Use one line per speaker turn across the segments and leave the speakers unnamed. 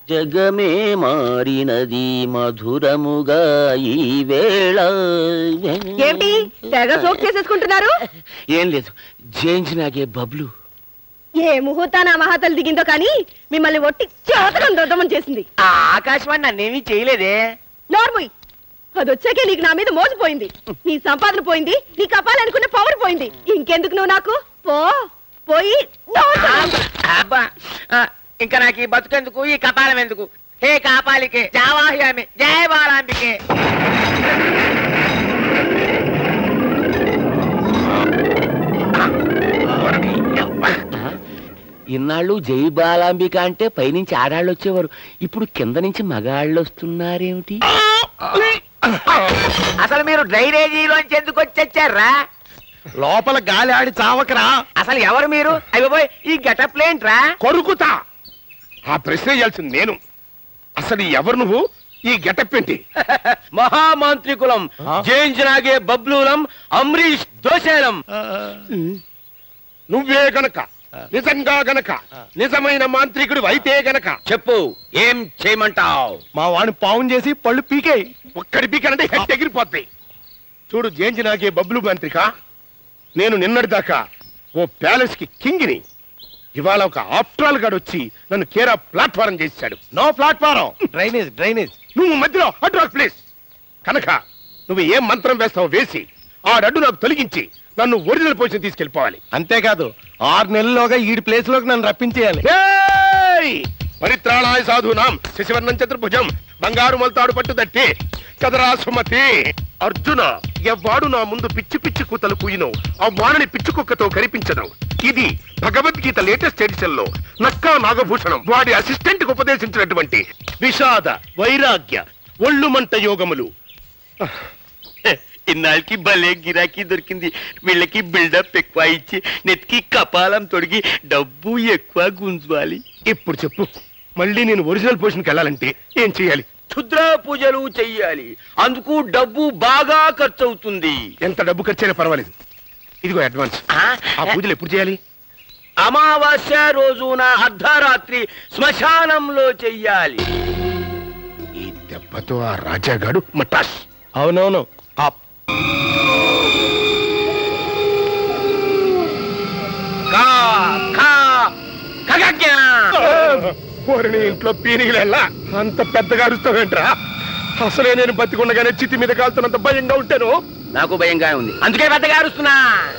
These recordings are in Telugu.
జగమే మారినది మధురముగా ఈ వేళ.
ఏమిటి తెగ సోక్ చేసేసుకుంటున్నారు?
ఏం లేదు, జేంజ్ నాగే బబ్లు.
ఏ ముహూర్తాన మహాతలు దిగిందో కానీ మిమ్మల్ని ఒట్టి చేతనం దొద్దమని చేసింది.
ఆకాశవాణి నన్నేమీ చేయలేదే.
నోర్ముయ్, అది వచ్చాకే నీకు నా మీద మోసపోయింది. నీ సంపాదన పోయింది, నీ కపాలనుకున్న పవర్ పోయింది. ఇంకెందుకు నువ్వు నాకు పోయి
ఇంకా నాకు ఈ బతుకెందుకు, ఈ కపాలం ఎందుకు? హే కాపాలికే జావాహ్యామి జయ బాలాంబికే. ఇన్నాళ్ళు జై బాలాంబిక అంటే పైనుంచి ఆడాళ్ళు వచ్చేవారు, ఇప్పుడు కింద నుంచి మగాళ్ళు వస్తున్నారేమిటి? అసలు మీరు డ్రైనేజీలోంచి ఎందుకు వచ్చారా?
లోపల గాలి ఆడి చావకరా.
అసలు ఎవరు మీరు? అయిపోయి ఈ గెటప్ లేంట్రా?
కొరుకుతా. ఆ ప్రశ్న చేయాల్సింది నేను. అసలు ఎవరు నువ్వు? ఈ గెటప్ ఏంటి?
మహామాంత్రికులం, జేంజ్ నాగే బబ్లూలం, అమ్రీష్ దోశేలం.
నువ్వే గనక నిజంగా గనక నిజమైన మాంత్రికుడు అయితే గనక
చెప్పు, ఏం చేయమంటావు?
మా వాడిని పావున్ చేసి పళ్ళు పీకే. ఒక్కడి పీకానంటే హెడ్ ఎగిరిపోద్ది. చూడు జేంజ్ నాగే బబ్లు మాంత్రిక, నేను నిన్నటిదాకా ఓ ప్యాలెస్ కి కింగిని. ఇవాళ ఒక ఆఫ్ట్రాల్ గాడు వచ్చి నన్ను కేరా ప్లాట్ఫారం చేశాడు. No platform, drainage. నువ్వు మధ్యలో అడ్రాక్ ప్లేస్ కనుక నువ్వు ఏం మంత్రం వేస్తావో వేసి ఆ అడ్డు నాకు తొలగించి నన్ను ఒరిజినల్ పొజిషన్ తీసుకెళ్ళిపోవాలి. అంతేకాదు 6 నెలల్లోగా ఈ ప్లేస్ లోకి నన్ను రప్పించేయాలి. పరిత్రాణాయ సాధూనాం శశివర్ణం చతుర్భుజం బంగారు మొలతాడు పట్టుదట్టి కదరా సుమతి. అర్జున, ఎవ్వాడు నా ముందు పిచ్చి పిచ్చి కూతలు కూయినో ఆ వాణిని పిచ్చి కుక్కతో కనిపించడం. ఇది భగవద్గీత లేటెస్ట్ ఎడిషన్ లో నక్కా నాగభూషణం వాడి అసిస్టెంట్ కు ఉపదేశించినటువంటి విషాద వైరాగ్య ఒళ్ళుమంట యోగములు.
ఇన్నాళ్ళకి భలే గిరాకీ దొరికింది. వీళ్ళకి బిల్డప్ ఎక్కువ ఇచ్చి నెత్తికి కపాలం తొడిగి డబ్బు ఎక్కువ గుంజాలి.
ఇప్పుడు చెప్పు, మళ్ళీ నేను ఒరిజినల్ పొజిషన్కి వెళ్ళాలంటే ఏం చేయాలి?
క్షుద్ర పూజలు చెయ్యాలి. అందుకు డబ్బు బాగా ఖర్చు అవుతుంది.
ఎంత డబ్బు ఖర్చైనా పర్వాలేదు, ఇదిగో అడ్వాన్స్. ఆ పూజలు ఎప్పుడు చేయాలి?
అమావాస్య రోజున అర్ధరాత్రి శ్మశానంలో చెయ్యాలి.
ఈ దెబ్బతో ఆ రాజాగాడు మటాష్.
అవునవును.
ఇంట్లో పీనిగిలెల్లా అంత పెద్దగా అరుస్తావేంట్రా? అసలే నేను బతికుండగానే చితి మీద కాలుతున్నంత భయంగా ఉంటాను.
నాకు భయంగా ఉంది, అందుకే పెద్దగా అరుస్తున్నా.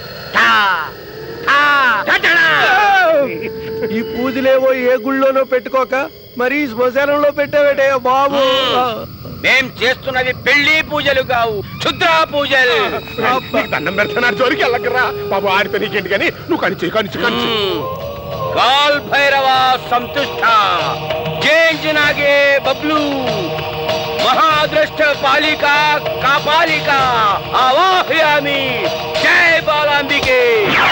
ఈ పూజలేవో ఏ గుళ్ళోనో పెట్టుకోక మరి శ్మశానంలో పెట్టావేటయ్యా బాబు.
మేం చేస్తున్నవి పెళ్లి పూజలు కావు, క్షుద్ర పూజలు.
దండం పెడుతున్నారు, జోలికి వెళ్ళకరా బాబు. ఆడితే నీకేంటి కానీ నువ్వు కనిచి
కాల్ భైరవ సంతుష్ట జేంజ్ నాగే బబ్లు మహాద్రష్ట పాలిక కాపాలిక ఆవాహయామి జై బాలాంబికే.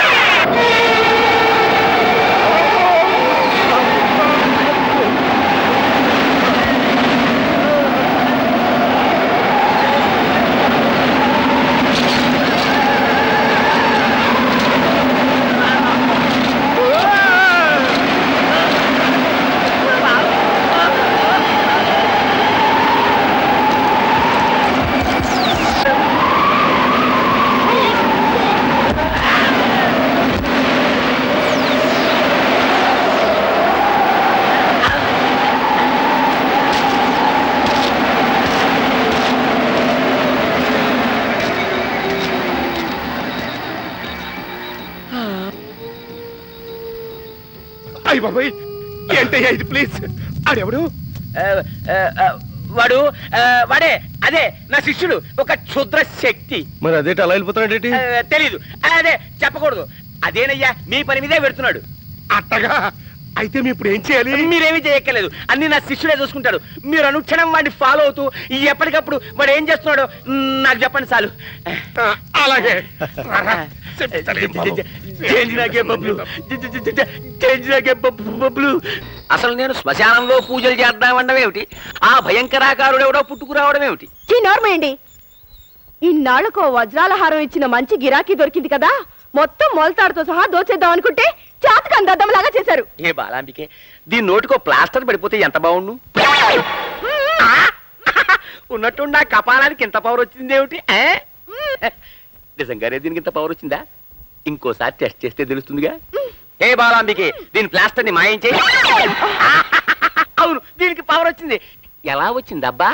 అయ్య బాబాయ్, ఏంటయ్యా ఇది? ప్లీజ్. ఆడెవడు?
వాడే, అదే నా శిష్యుడు, ఒక క్షుద్ర శక్తి.
మరి అదేంటి అలా వెళ్ళిపోతున్నాడేంటి?
తెలీదు, అదే చెప్పకూడదు. అదేనయ్యా, మీ పని మీదే పెడుతున్నాడు.
అట్టగా అయితే మీ ఇప్పుడు ఏం చేయాలి?
మీరేమీ చేయక్కర్లేదు, అన్ని నా శిష్యుడే చూసుకుంటాడు. మీరు అనుక్షణం వాడిని ఫాలో అవుతూ ఎప్పటికప్పుడు వాడు ఏం చేస్తున్నాడో నాకు చెప్పండి చాలు.
అలాగే.
అసలు నేను శ్మశానంలో పూజలు చేద్దామనడం ఏమిటి? ఆ భయంకరాకారుడు ఎవడో పుట్టుకురావడం ఏమిటి?
నోర్మేయండి. ఇన్నాళ్లకు వజ్రాల హారం ఇచ్చిన మంచి గిరాకీ దొరికింది కదా, మొత్తం మొలతాడుతో సహా దోచేద్దాం అనుకుంటే చాతకాని దద్దమ్మలాగా చేశారు.
ఏ బాలాంబికే, దీని నోటికో ప్లాస్టర్ పడిపోతే ఎంత బాగుండు. ఉన్నట్టుండి నా కపాలానికి ఇంత పవర్ వచ్చింది ఏమిటి? నిజంగానే దీనికి ఇంత పవర్ వచ్చిందా? ఇంకోసారి టెస్ట్ చేస్తే తెలుస్తుందిగా. ఏ బాలాంబికే, దీని ప్లాస్టర్ ని మాయం చేయి. అవును, దీనికి పవర్ వచ్చింది. ఎలా వచ్చింది అబ్బా?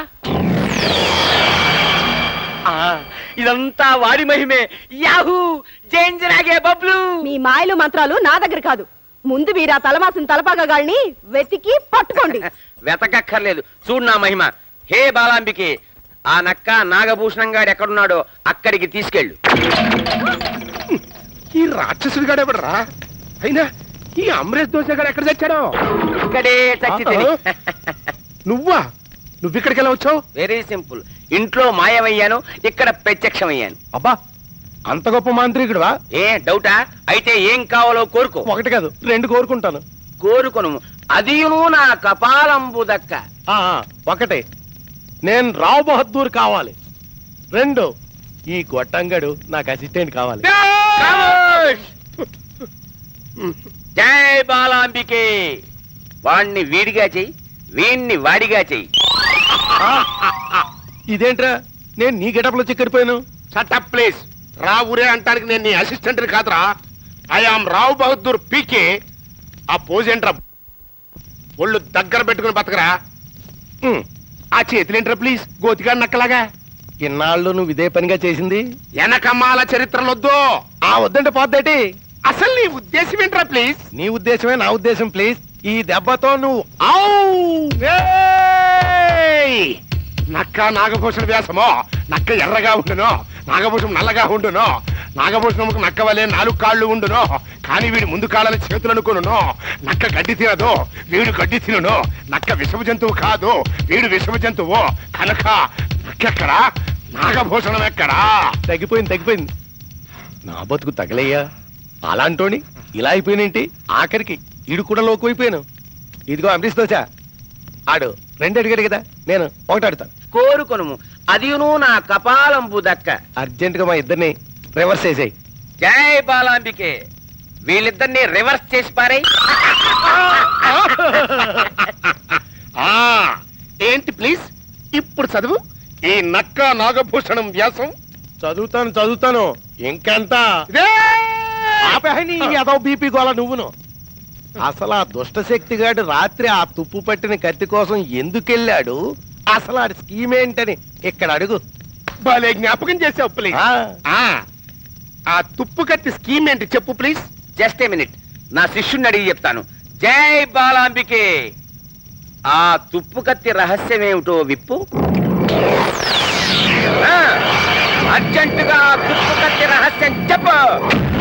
ఇదంతా వాడి మహిమే. యాహూ, జేంజరాగే బబ్లు.
మీ మాయలు మంత్రాలు నా దగ్గర కాదు. ముందు మీరు ఆ తలమాసిన తలపాగాళ్ళని వెతికి పట్టుకోండి.
వెతకక్కర్లేదు, చూడు నా మహిమ. హే బాలాంబికే, ఆ నక్క నాగభూషణం గారు ఎక్కడున్నాడో అక్కడికి తీసుకెళ్ళు.
ఈ రాక్షసుడు గాడెవడరా? అయినా ఈ అమరేష్ దోశ గారు ఎక్కడ తెచ్చాడో?
ఇక్కడే చచ్చి
నువ్వా? నువ్విక్కడికి ఎలా వచ్చావు?
Very simple. ఇంట్లో మాయమయ్యాను, ఇక్కడ ప్రత్యక్షమయ్యాను.
అబ్బా, అంత గొప్ప మాంత్రికుడువా?
ఏ డౌటా? అయితే ఏం కావాలో కోరుకో.
ఒకటి కాదు, 2 కోరుకుంటాను.
కోరుకొను, అదియును నా కపాలంబు దక్క.
ఒకటి, నేను రావు బహదూర్ కావాలి. 2, ఈ గొట్టంగడు నాకు అసిస్టెంట్ కావాలి.
జై బాలాంబికే. వాణ్ణి వీడిగా చెయ్యి, వీణ్ణి వాడిగా చెయ్యి.
ఇదేంట్రా, నేను నీ గెటప్లో చిక్కడిపోయాను.
Shut up please. రావురే అంటానికి నేను నీ అసిస్టెంట్ కాదురా. I am Rao Bahadur PK. ఆ పోజ్ ఏంట్రా? ఒళ్ళు దగ్గర పెట్టుకుని బతకరా.
ఆ చేతులేంట్రా ప్లీజ్, గోతిగా నక్కలాగా. ఇన్నాళ్ళు నువ్వు ఇదే పనిగా చేసింది.
వెనకమ్మాల చరిత్రలొద్దు.
వద్దంటే పోద్దేటి.
అసలు నీ ఉద్దేశం ఏంట్రా ప్లీజ్?
నీ ఉద్దేశమే నా ఉద్దేశం ప్లీజ్. ఈ దెబ్బతో నువ్వు
ఏయ్! నక్క నాగభూషణ వ్యాసమో. నక్క ఎర్రగా ఉండును, నాగభూషణం నల్లగా ఉండును. నాగభూషణముకు నక్క వలె 4 కాళ్ళు ఉండును, కానీ వీడి ముందు కాళ్ళని చేతులు అనుకును. నక్క గడ్డి తినదు, వీడు గడ్డి తినును. నక్క విషమ జంతువు కాదు, వీడు విషమ జంతువు. కనుక నక్కెక్కడా, నాగభూషణం ఎక్కడా?
తగ్గిపోయింది. నా బతుకు తగలయ్యా. అలాంటోని ఇలా అయిపోయినేంటి? ఆఖరికి ఇడు కూడా లోకువైపోయాను. ఇదిగో అమరీష్ దోశ, ఆడు 2 అడిగాడు కదా, నేను 1 అడుగుతాను.
కోరుకొను, అదియును నా కపాలంబు దక్క.
అర్జెంట్ గా మా ఇద్దరిని రివర్స్ చేసేయి.
జై బాలాంబికే. వీళ్ళిద్దరిని రివర్స్ చేసి పారై.
ఏంటి ప్లీజ్ ఇప్పుడు చదువు. ఈ నక్క నాగభూషణం వ్యాసం
చదువుతాను. ఇంకెంత
ఇదే.
అదో బీపీ గోళ నువ్వును. అసలు ఆ దుష్ట శక్తిగాడు రాత్రి ఆ తుప్పు పట్టిన కత్తి కోసం ఎందుకెళ్ళాడు? అసలు ఆ స్కీమ్ ఏంటని ఇక్కడ అడుగు.
భలే జ్ఞాపకం చేసావు ప్లీజ్. ఆ తుప్పు కత్తి స్కీమ్ ఏంటి చెప్పు ప్లీజ్.
జస్ట్ ఏ మినిట్, నా శిష్యుణ్ణి అడిగి చెప్తాను. జై బాలాంబికే. ఆ తుప్పు కత్తి రహస్యమేమిటో విప్పు. అర్జెంటుగా తుప్పు కత్తి రహస్యం చెప్పు.